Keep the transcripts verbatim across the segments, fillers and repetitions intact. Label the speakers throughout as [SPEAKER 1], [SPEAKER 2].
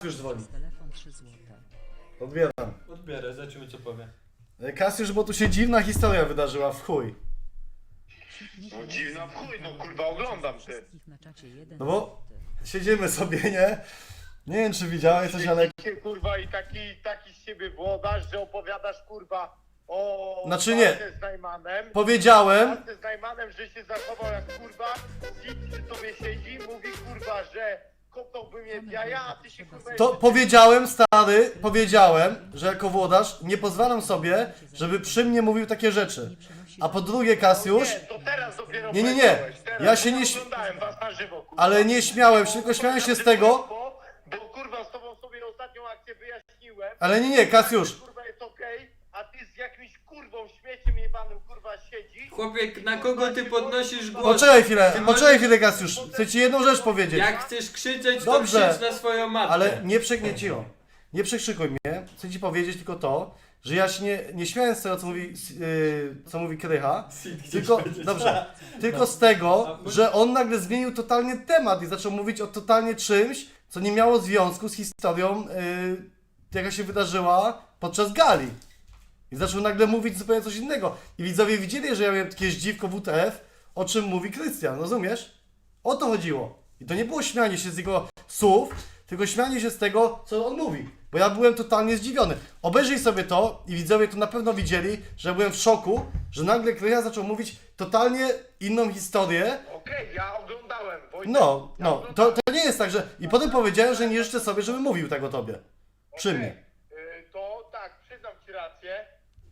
[SPEAKER 1] już dzwoni.
[SPEAKER 2] Telefon trzy złote.
[SPEAKER 1] Odbieram.
[SPEAKER 3] Odbierę, zobaczymy co powie.
[SPEAKER 1] Kasiusz, bo tu się dziwna historia wydarzyła w chuj.
[SPEAKER 4] No dziwna w chuj, no kurwa oglądam ty.
[SPEAKER 1] No bo siedzimy sobie, nie? Nie wiem czy widziałeś coś, ale...
[SPEAKER 4] Ty, kurwa i taki, taki z siebie włodarz, że opowiadasz kurwa o...
[SPEAKER 1] Znaczy nie.
[SPEAKER 4] walce z Najmanem.
[SPEAKER 1] Powiedziałem...
[SPEAKER 4] walce z Najmanem, że się zachował jak kurwa. Sit przy tobie siedzi, mówi kurwa, że kopnąłby mnie w jaja, a ty się kurwa...
[SPEAKER 1] To powiedziałem, stary, powiedziałem, że jako włodarz nie pozwalam sobie, żeby przy mnie mówił takie rzeczy. A po drugie, Kasiusz...
[SPEAKER 4] Nie, to teraz dopiero
[SPEAKER 1] Nie, nie, nie.
[SPEAKER 4] powiedziałeś, teraz,
[SPEAKER 1] Ja się
[SPEAKER 4] bo
[SPEAKER 1] nie śm-
[SPEAKER 4] oglądałem was na żywo, kurwa.
[SPEAKER 1] Ale nie śmiałem się, tylko śmiałem się z tego...
[SPEAKER 4] Bo, bo kurwa z tobą sobie ostatnią akcję wyjaśniłem.
[SPEAKER 1] Ale nie, nie, Kasiusz.
[SPEAKER 4] Kurwa jest okej, a ty z jakimś kurwą śmieciem jebanym kurwa siedzi.
[SPEAKER 3] Chłopie, na kogo ty podnosisz głos?
[SPEAKER 1] Poczekaj chwilę,
[SPEAKER 3] Ty
[SPEAKER 1] poczekaj chwilę, Kasiusz. Chcę ci jedną rzecz powiedzieć.
[SPEAKER 3] Jak chcesz krzyczeć, to
[SPEAKER 1] Dobrze.
[SPEAKER 3] krzycz na swoją matkę.
[SPEAKER 1] Ale nie przegnieciło. Nie przekrzykuj mnie. Chcę ci powiedzieć tylko to, że ja się nie, nie śmiałem z tego, co mówi, yy, co mówi Krycha, tylko, dobrze, tylko z tego, że on nagle zmienił totalnie temat i zaczął mówić o totalnie czymś, co nie miało związku z historią, yy, jaka się wydarzyła podczas gali. I zaczął nagle mówić zupełnie coś innego. I widzowie widzieli, że ja miałem takie zdziwko W T F, o czym mówi Krystian, rozumiesz? O to chodziło. I to nie było śmianie się z jego słów, tylko śmianie się z tego, co on mówi. Bo ja byłem totalnie zdziwiony. Obejrzyj sobie to i widzowie to na pewno widzieli, że ja byłem w szoku, że nagle Krycha zaczął mówić totalnie inną historię.
[SPEAKER 4] Okej, ja oglądałem. Wojtek,
[SPEAKER 1] No,
[SPEAKER 4] ja
[SPEAKER 1] no,
[SPEAKER 4] oglądałem.
[SPEAKER 1] to, to nie jest tak, że... I potem powiedziałem, że nie życzę sobie, żeby mówił tego tobie. Przy
[SPEAKER 4] Okej,
[SPEAKER 1] mnie.
[SPEAKER 4] y, To tak, przyznam ci rację,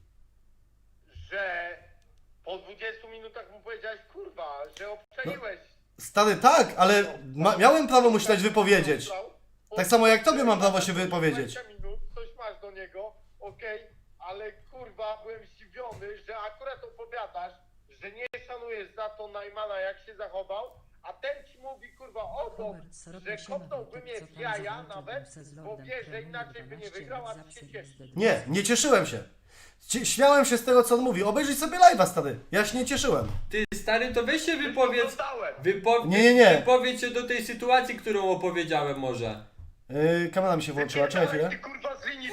[SPEAKER 4] że po dwudziestu minutach mu powiedziałeś kurwa, że obczaiłeś.
[SPEAKER 1] Stary, tak, ale ma, miałem prawo mu się dać wypowiedzieć. Tak samo jak tobie mam prawo się wypowiedzieć.
[SPEAKER 4] dwadzieścia minut, coś masz do niego, okej, ale kurwa byłem zdziwiony, że akurat opowiadasz, że nie szanujesz za to Najmana jak się zachował, a ten ci mówi kurwa o to, że kopnąłby mnie w jaja nawet, bo wie, że inaczej by nie wygrał, a ty się cieszysz.
[SPEAKER 1] Nie, nie cieszyłem się. Cie- Śmiałem się z tego, co on mówi. Obejrzyj sobie live'a, stary. Ja się nie cieszyłem.
[SPEAKER 3] Ty stary, to weź się wypowiedz.
[SPEAKER 4] Oglądałem.
[SPEAKER 3] Wypo...
[SPEAKER 1] Nie, nie, nie.
[SPEAKER 3] Wypowiedz się do tej sytuacji, którą opowiedziałem może.
[SPEAKER 1] Yy, kamera mi się włączyła, czekaj chwilę.
[SPEAKER 4] Ty kurwa z linii.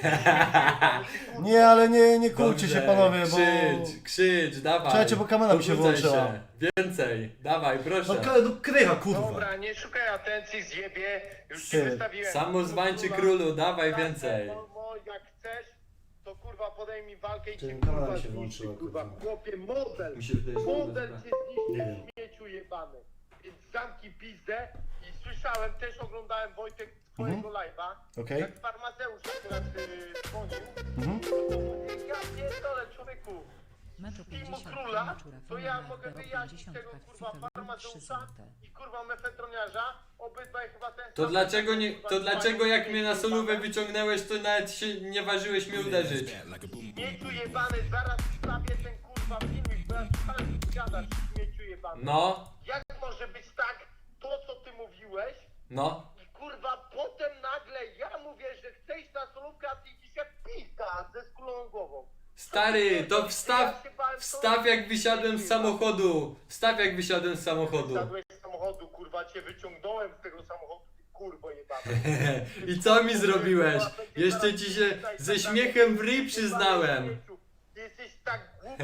[SPEAKER 1] Nie, ale nie, nie kłóćcie się
[SPEAKER 3] Dobrze,
[SPEAKER 1] panowie, bo...
[SPEAKER 3] Krzycz, krzycz, dawaj.
[SPEAKER 1] Czekajcie, bo kamera mi się
[SPEAKER 3] Pobudzaj
[SPEAKER 1] włączyła.
[SPEAKER 3] się. Więcej, dawaj, proszę.
[SPEAKER 1] No, k- no krycha, kurwa.
[SPEAKER 4] Dobra, nie szukaj atencji, zjebie, już ci
[SPEAKER 1] Ty.
[SPEAKER 4] wystawiłem.
[SPEAKER 3] Samozwańczy królu, dawaj więcej.
[SPEAKER 4] No, no, jak chcesz, to kurwa podejmij walkę i
[SPEAKER 1] Ty,
[SPEAKER 4] cię
[SPEAKER 1] kamera
[SPEAKER 4] kurwa
[SPEAKER 1] mi się
[SPEAKER 4] zniszczy,
[SPEAKER 1] włączyła,
[SPEAKER 4] kurwa,
[SPEAKER 1] kurwa.
[SPEAKER 4] chłopie, model,
[SPEAKER 3] Mi się wydaje, że
[SPEAKER 4] model
[SPEAKER 3] dobra.
[SPEAKER 4] cię
[SPEAKER 1] Nie
[SPEAKER 4] zniszczy,
[SPEAKER 1] wiem.
[SPEAKER 4] śmieciu jebany. Więc zamknij pizdę i słyszałem, też oglądałem Wojtek twojego live'a,
[SPEAKER 1] Okej.
[SPEAKER 4] jak farmazeusz akurat y, dzwonił,
[SPEAKER 1] Mhm.
[SPEAKER 4] ja pierdolę człowieku.
[SPEAKER 2] Meczu
[SPEAKER 4] Filmu
[SPEAKER 2] pięćdziesiąt
[SPEAKER 4] króla,
[SPEAKER 2] Maczura,
[SPEAKER 4] to ja
[SPEAKER 2] Fenomen,
[SPEAKER 4] mogę
[SPEAKER 2] Hero
[SPEAKER 4] wyjaśnić
[SPEAKER 2] pięćdziesiąt,
[SPEAKER 4] tego kurwa
[SPEAKER 2] Kwitowicz, trzy
[SPEAKER 4] farmazeusza
[SPEAKER 2] złote.
[SPEAKER 4] i kurwa mefetroniarza, obydwaj chyba ten
[SPEAKER 3] To
[SPEAKER 4] sam-
[SPEAKER 3] dlaczego nie,
[SPEAKER 4] kurwa,
[SPEAKER 3] to dlaczego jak
[SPEAKER 4] śmieciu
[SPEAKER 3] mnie na solówę
[SPEAKER 4] jebany.
[SPEAKER 3] wyciągnęłeś, to nawet się nie ważyłeś mnie uderzyć?
[SPEAKER 4] Śmieciu jebany, zaraz wstawię ten kurwa filmik, bo ja słuchałem, co gadasz, śmieciu jebany.
[SPEAKER 3] No,
[SPEAKER 4] Jak może być tak, to co ty mówiłeś
[SPEAKER 3] no.
[SPEAKER 4] i kurwa potem nagle ja mówię, że chcę iść na solówkę, a ty idziesz jak pizda ze skuloną głową.
[SPEAKER 3] Stary, to wstaw, wstaw jak wysiadłem z samochodu. Wstaw jak wysiadłem z samochodu.
[SPEAKER 4] Wsiadłeś z samochodu, kurwa, cię wyciągnąłem z tego samochodu, ty kurwo jebany.
[SPEAKER 3] I co mi zrobiłeś? Jeszcze ci się ze śmiechem w ryj przyznałem.
[SPEAKER 4] Ty jesteś tak głupi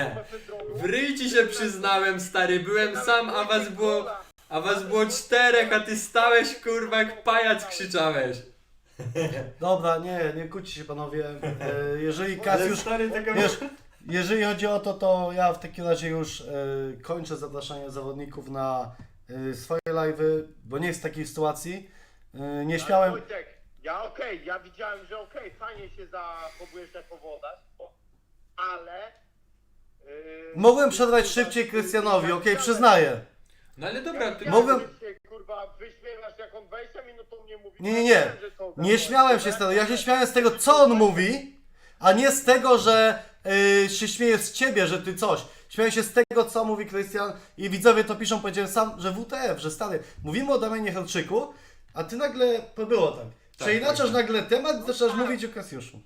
[SPEAKER 4] od
[SPEAKER 3] W ryj ci się przyznałem, stary, byłem sam, a was było, a was było czterech, a ty stałeś kurwa jak pajac krzyczałeś.
[SPEAKER 1] Dobra, nie, nie kłóćcie się panowie. E, jeżeli Kasiusz...
[SPEAKER 3] stary tego...
[SPEAKER 1] Wiesz, jeżeli chodzi o to, to ja w takim razie już e, kończę zapraszanie zawodników na e, swoje live'y, bo nie jest takiej sytuacji. E, nie śmiałem...
[SPEAKER 4] Wojtek, ja okej, ja widziałem, że okej, fajnie się zachowujesz jako włodarz, ale... Yy,
[SPEAKER 1] Mogłem przerwać szybciej Krystianowi, okej, przyznaję.
[SPEAKER 3] No ale dobra, ty...
[SPEAKER 1] Mogłem-
[SPEAKER 4] Jak się, kurwa, wyśmiewasz jak on dwadzieścia minut o mnie mówi.
[SPEAKER 1] Nie, nie, nie.
[SPEAKER 4] Że to
[SPEAKER 1] Nie śmiałem się z tego. Ja się śmiałem z tego, co on mówi, a nie z tego, że yy, się śmieję z ciebie, że ty coś. Śmiałem się z tego, co mówi Krystian i widzowie to piszą, powiedziałem sam, że W T F, że stary, mówimy o Damianie Helczyku, a ty nagle, to było tak. Przeinaczasz nagle temat i zaczynasz mówić o Kasiuszu.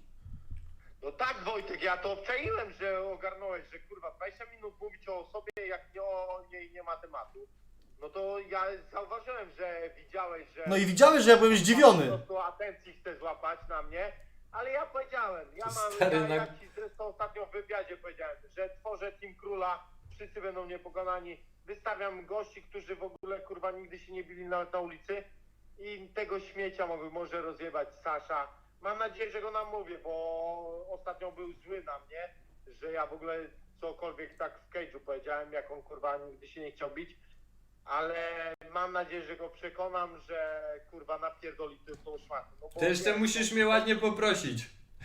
[SPEAKER 4] No tak, Wojtek, ja to obczaiłem, że ogarnąłeś, że kurwa dwadzieścia minut mówić o sobie, jak nie o niej nie ma tematu. No to ja zauważyłem, że widziałeś, że...
[SPEAKER 1] No i widziałeś, że ja byłem zdziwiony.
[SPEAKER 4] Po prostu atencji chce złapać na mnie, ale ja powiedziałem, ja mam,
[SPEAKER 3] Stary,
[SPEAKER 4] ja,
[SPEAKER 3] na-
[SPEAKER 4] ja ci zresztą ostatnio w wywiadzie powiedziałem, że tworzę Team Króla, wszyscy będą niepokonani, wystawiam gości, którzy w ogóle kurwa nigdy się nie bili nawet na ulicy i tego śmiecia mogę, może rozjebać Sasza. Mam nadzieję, że go namówię, bo ostatnio był zły na mnie, że ja w ogóle cokolwiek tak w cage'u powiedziałem, jak on kurwa nigdy się nie chciał bić. Ale mam nadzieję, że go przekonam, że kurwa napierdoli ty tą szmatę. No bo
[SPEAKER 3] Ty jeszcze
[SPEAKER 4] wiesz,
[SPEAKER 3] musisz mnie ładnie poprosić.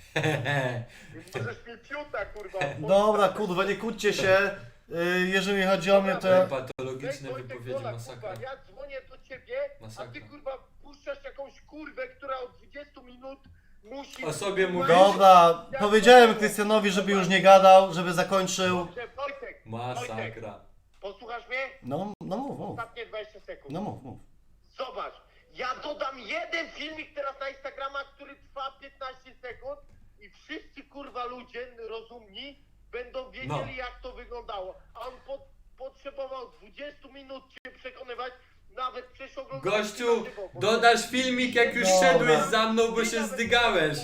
[SPEAKER 4] Możesz mi piuta kurwa.
[SPEAKER 1] Dobra, kurwa, nie kłóćcie się. Y, Jeżeli chodzi o mnie, to ja...
[SPEAKER 3] Patologiczne
[SPEAKER 4] Wojtek,
[SPEAKER 3] wypowiedzi,
[SPEAKER 4] Wola,
[SPEAKER 3] masakra.
[SPEAKER 4] kurwa, ja dzwonię do ciebie, a
[SPEAKER 3] Masakra.
[SPEAKER 4] ty kurwa puszczasz jakąś kurwę, która od dwudziestu minut musi...
[SPEAKER 3] O sobie
[SPEAKER 4] kurwa,
[SPEAKER 3] mówisz?
[SPEAKER 1] Dobra, powiedziałem Krystianowi, żeby już nie gadał, żeby zakończył.
[SPEAKER 4] Dobrze, Wojtek,
[SPEAKER 3] Masakra.
[SPEAKER 4] posłuchasz mnie?
[SPEAKER 1] No, no mów, mów.
[SPEAKER 4] Ostatnie dwadzieścia sekund.
[SPEAKER 1] No mów, mów.
[SPEAKER 4] Zobacz, ja dodam jeden filmik teraz na Instagrama, który trwa piętnaście sekund i wszyscy kurwa ludzie rozumni będą wiedzieli
[SPEAKER 3] No.
[SPEAKER 4] jak to wyglądało. A on po, potrzebował dwudziestu minut cię przekonywać, nawet przecież oglądał
[SPEAKER 3] Gościu, dodasz filmik jak już
[SPEAKER 1] Dobra.
[SPEAKER 3] szedłeś za mną, bo się zdygałeś.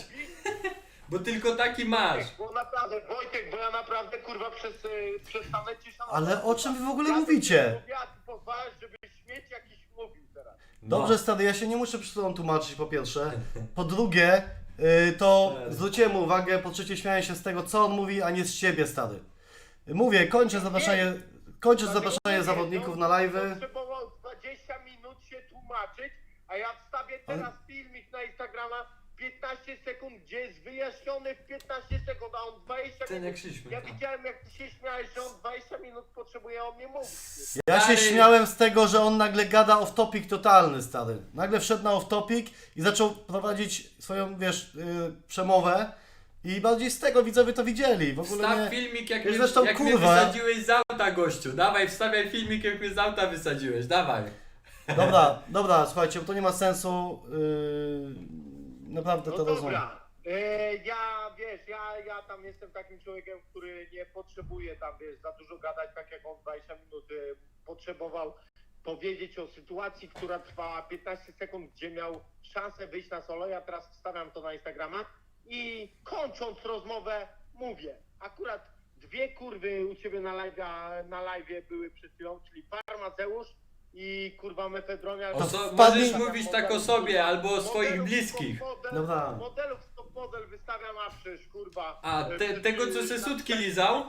[SPEAKER 3] Bo tylko taki masz.
[SPEAKER 4] Bo naprawdę, Wojtek, bo ja naprawdę kurwa przez, y, przestanę ci szanować.
[SPEAKER 1] Ale o czym wy w ogóle
[SPEAKER 4] Ja
[SPEAKER 1] mówicie?
[SPEAKER 4] Ja ty pozwalasz, żeby śmieć jakiś mówił teraz.
[SPEAKER 1] Dobrze, stary, ja się nie muszę przed tobą tłumaczyć, po pierwsze. Po drugie, y, to zwróciłem mu uwagę, po trzecie śmiałem się z tego, co on mówi, a nie z ciebie, stary. Mówię, kończę zapraszanie, kończę zapraszanie zawodników na live'y.
[SPEAKER 4] Potrzebował dwadzieścia minut się tłumaczyć, a ja wstawię teraz filmik na Instagrama piętnaście sekund, gdzie jest wyjaśniony w piętnaście sekund, a on dwadzieścia
[SPEAKER 3] Ten jak
[SPEAKER 4] minut.
[SPEAKER 3] szliśmy.
[SPEAKER 4] Ja widziałem jak ty się śmiałeś, że on dwadzieścia minut potrzebuje o mnie mówić.
[SPEAKER 1] Ja się
[SPEAKER 3] Stary.
[SPEAKER 1] śmiałem z tego, że on nagle gada off-topic totalny, stary. Nagle wszedł na off-topic i zaczął prowadzić swoją, wiesz, yy, przemowę. I bardziej z tego widzowie to widzieli. W ogóle
[SPEAKER 3] Wstaw
[SPEAKER 1] nie...
[SPEAKER 3] filmik jak,
[SPEAKER 1] Ja
[SPEAKER 3] mnie,
[SPEAKER 1] zresztą,
[SPEAKER 3] jak mnie
[SPEAKER 1] kurwa.
[SPEAKER 3] wysadziłeś z auta, gościu. Dawaj, wstawiaj filmik jak mnie z auta wysadziłeś, dawaj.
[SPEAKER 1] Dobra, dobra, słuchajcie, bo to nie ma sensu. Yy... Naprawdę
[SPEAKER 4] No
[SPEAKER 1] to rozumiem.
[SPEAKER 4] dobra. E, ja, wiesz, ja, ja tam jestem takim człowiekiem, który nie potrzebuje tam, wiesz, za dużo gadać, tak jak on dwadzieścia minut e, potrzebował powiedzieć o sytuacji, która trwała piętnaście sekund, gdzie miał szansę wyjść na solo. Ja teraz wstawiam to na Instagrama i kończąc rozmowę mówię, akurat dwie kurwy u ciebie na live, na live były przed chwilą, czyli Farmaceusz i kurwa Mefedronia.
[SPEAKER 3] O so,
[SPEAKER 1] wpadnij-
[SPEAKER 3] możesz mówić tak o sobie albo o swoich
[SPEAKER 4] Modelów
[SPEAKER 3] bliskich.
[SPEAKER 4] stop model,
[SPEAKER 1] Dobra.
[SPEAKER 4] Modelów stop model wystawiam, a przecież kurwa.
[SPEAKER 3] A
[SPEAKER 4] e,
[SPEAKER 3] te, tego co se sutki lizał?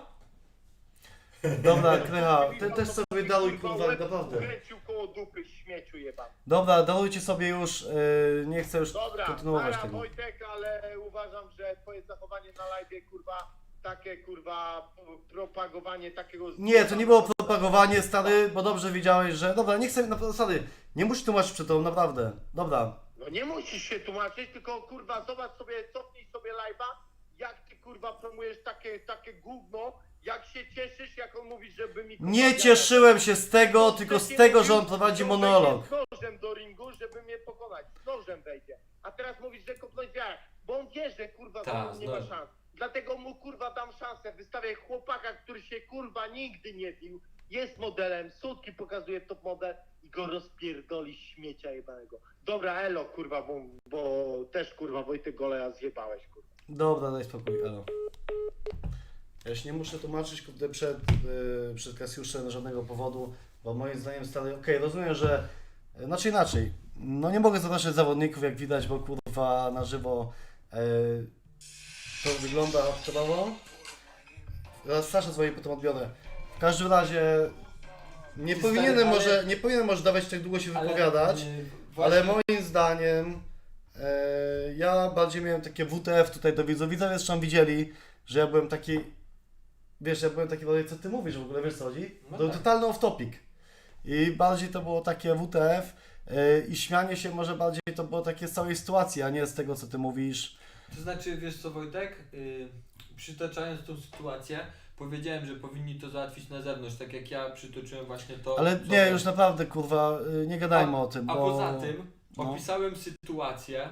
[SPEAKER 1] Dobra, Krycha, ty też sobie daruj, kurwa, naprawdę.
[SPEAKER 4] Kręcił koło dupy śmieciu jebany.
[SPEAKER 1] Dobra, darujcie sobie już, yy, nie chcę już
[SPEAKER 4] Dobra,
[SPEAKER 1] kontynuować
[SPEAKER 4] para
[SPEAKER 1] tego.
[SPEAKER 4] Wojtek, ale uważam, że twoje zachowanie na live, kurwa, takie kurwa propagowanie takiego...
[SPEAKER 1] Nie, to nie było propagowanie, stary, bo dobrze wiedziałeś, że... Dobra, nie chcę, naprawdę, stary, nie musisz tłumaczyć przed tobą, naprawdę. Dobra.
[SPEAKER 4] No nie musisz się tłumaczyć, tylko kurwa zobacz sobie, cofnij sobie live'a, jak ty kurwa promujesz takie, takie gówno, jak się cieszysz, jak on mówi, żeby mi... kurwa,
[SPEAKER 1] Nie
[SPEAKER 4] wiadomo.
[SPEAKER 1] cieszyłem się z tego, tylko z
[SPEAKER 4] Wcześniej
[SPEAKER 1] tego, że on
[SPEAKER 4] mówił,
[SPEAKER 1] prowadzi
[SPEAKER 4] że
[SPEAKER 1] monolog.
[SPEAKER 4] wejdzie z nożem do ringu, żeby mnie pokonać. Z nożem wejdzie. A teraz mówisz, że kopnąć wiarę. Bo on wie, że kurwa
[SPEAKER 3] Ta,
[SPEAKER 4] za mną nie ma
[SPEAKER 3] znowu.
[SPEAKER 4] szans. Dlatego mu kurwa dam szansę. Wystawię chłopaka, który się kurwa nigdy nie bił. Jest modelem, sutki pokazuje top model i go rozpierdoli śmiecia jebanego. Dobra, elo kurwa, bo, bo też kurwa Wojtek Goleja zjebałeś kurwa.
[SPEAKER 1] Dobra, daj spokój, elo. Ja się nie muszę tłumaczyć kurde, przed, yy, przed Kasiuszem z żadnego powodu, bo moim zdaniem stary, okej, rozumiem, że... Yy, znaczy inaczej, no nie mogę zapraszać zawodników, jak widać, bo kurwa na żywo yy, to wygląda hardkorowo. Teraz Sasza dzwoni, potem odbiorę. W każdym razie nie
[SPEAKER 3] Ty
[SPEAKER 1] powinienem
[SPEAKER 3] stary, ale-
[SPEAKER 1] może, nie powinienem może dawać tak długo się wypowiadać.
[SPEAKER 3] yy,
[SPEAKER 1] Ale
[SPEAKER 3] właśnie-
[SPEAKER 1] moim zdaniem e, ja bardziej miałem takie W T F tutaj do widzów. Widzowie zresztą widzieli, że ja byłem taki, wiesz, ja byłem taki, co ty mówisz w ogóle, wiesz co chodzi?
[SPEAKER 3] No
[SPEAKER 1] To
[SPEAKER 3] tak.
[SPEAKER 1] totalny off topic. I bardziej to było takie W T F e, i śmianie się może bardziej to było takie z całej sytuacji, a nie z tego co ty mówisz.
[SPEAKER 3] To znaczy, wiesz co Wojtek, yy, przytaczając tą sytuację, powiedziałem, że powinni to załatwić na zewnątrz, tak jak ja przytoczyłem właśnie to.
[SPEAKER 1] Ale
[SPEAKER 3] co
[SPEAKER 1] nie,
[SPEAKER 3] to-
[SPEAKER 1] już naprawdę kurwa, y, nie gadajmy
[SPEAKER 3] a,
[SPEAKER 1] o tym,
[SPEAKER 3] A
[SPEAKER 1] bo...
[SPEAKER 3] poza tym
[SPEAKER 1] no.
[SPEAKER 3] opisałem sytuację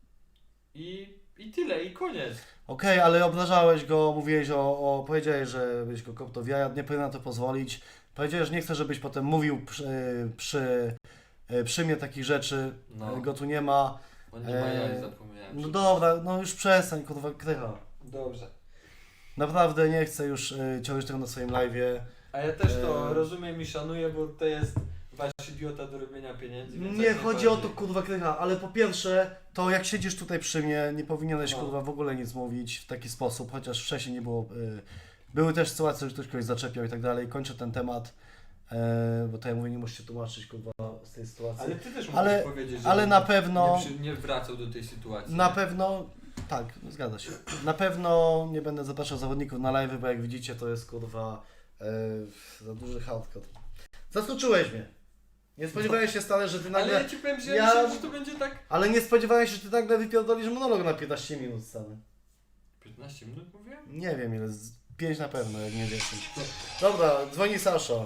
[SPEAKER 3] i, i tyle, i koniec.
[SPEAKER 1] Okej, ale obrażałeś go, mówiłeś o, o powiedziałeś, że byś go kopnął w jaja, nie powinien na to pozwolić. Powiedziałeś, że nie chcę, żebyś potem mówił przy, przy, przy mnie takich rzeczy,
[SPEAKER 3] No.
[SPEAKER 1] go tu nie ma.
[SPEAKER 3] On nie ma
[SPEAKER 1] Eee,
[SPEAKER 3] jak, zapomniałem.
[SPEAKER 1] No dobra, no już przestań, kurwa, Krycha.
[SPEAKER 3] Dobrze.
[SPEAKER 1] Naprawdę nie chcę już y, ciągnąć tego na swoim live'ie.
[SPEAKER 3] A ja też to
[SPEAKER 1] Eee.
[SPEAKER 3] rozumiem i szanuję, bo to jest wasz idiota do robienia pieniędzy. Więc
[SPEAKER 1] Nie
[SPEAKER 3] jak
[SPEAKER 1] chodzi o to,
[SPEAKER 3] najbardziej.
[SPEAKER 1] kurwa, Krycha, ale po pierwsze, to jak siedzisz tutaj przy mnie, nie powinieneś,
[SPEAKER 3] No.
[SPEAKER 1] kurwa, w ogóle nic mówić w taki sposób, chociaż wcześniej nie było, y, były też sytuacje, że ktoś kogoś zaczepiał i tak dalej. Kończę ten temat, y, bo to ja mówię, nie musicie tłumaczyć, kurwa, z tej sytuacji.
[SPEAKER 3] Ale ty też
[SPEAKER 1] Ale-
[SPEAKER 3] musisz powiedzieć, że
[SPEAKER 1] ale
[SPEAKER 3] on
[SPEAKER 1] na pewno-
[SPEAKER 3] nie, przy, nie wracał do tej sytuacji.
[SPEAKER 1] Na
[SPEAKER 3] nie?
[SPEAKER 1] pewno, tak, zgadza się. Na pewno nie będę zapraszał zawodników na live, bo jak widzicie, to jest, kurwa, y, za duży hardcore. Zaskoczyłeś mnie. Nie spodziewałem się stale, że ty
[SPEAKER 3] Ale
[SPEAKER 1] nagle...
[SPEAKER 3] ja ci powiem, że ja,
[SPEAKER 1] Ja-
[SPEAKER 3] myślałem, że to będzie tak...
[SPEAKER 1] Ale nie spodziewałem się, że ty nagle wypierdolisz monolog na piętnaście minut stary.
[SPEAKER 3] piętnaście minut mówiłem?
[SPEAKER 1] Nie wiem ile, z pięć na pewno, jak nie dziesięć. Dobra, dzwoni Sasza.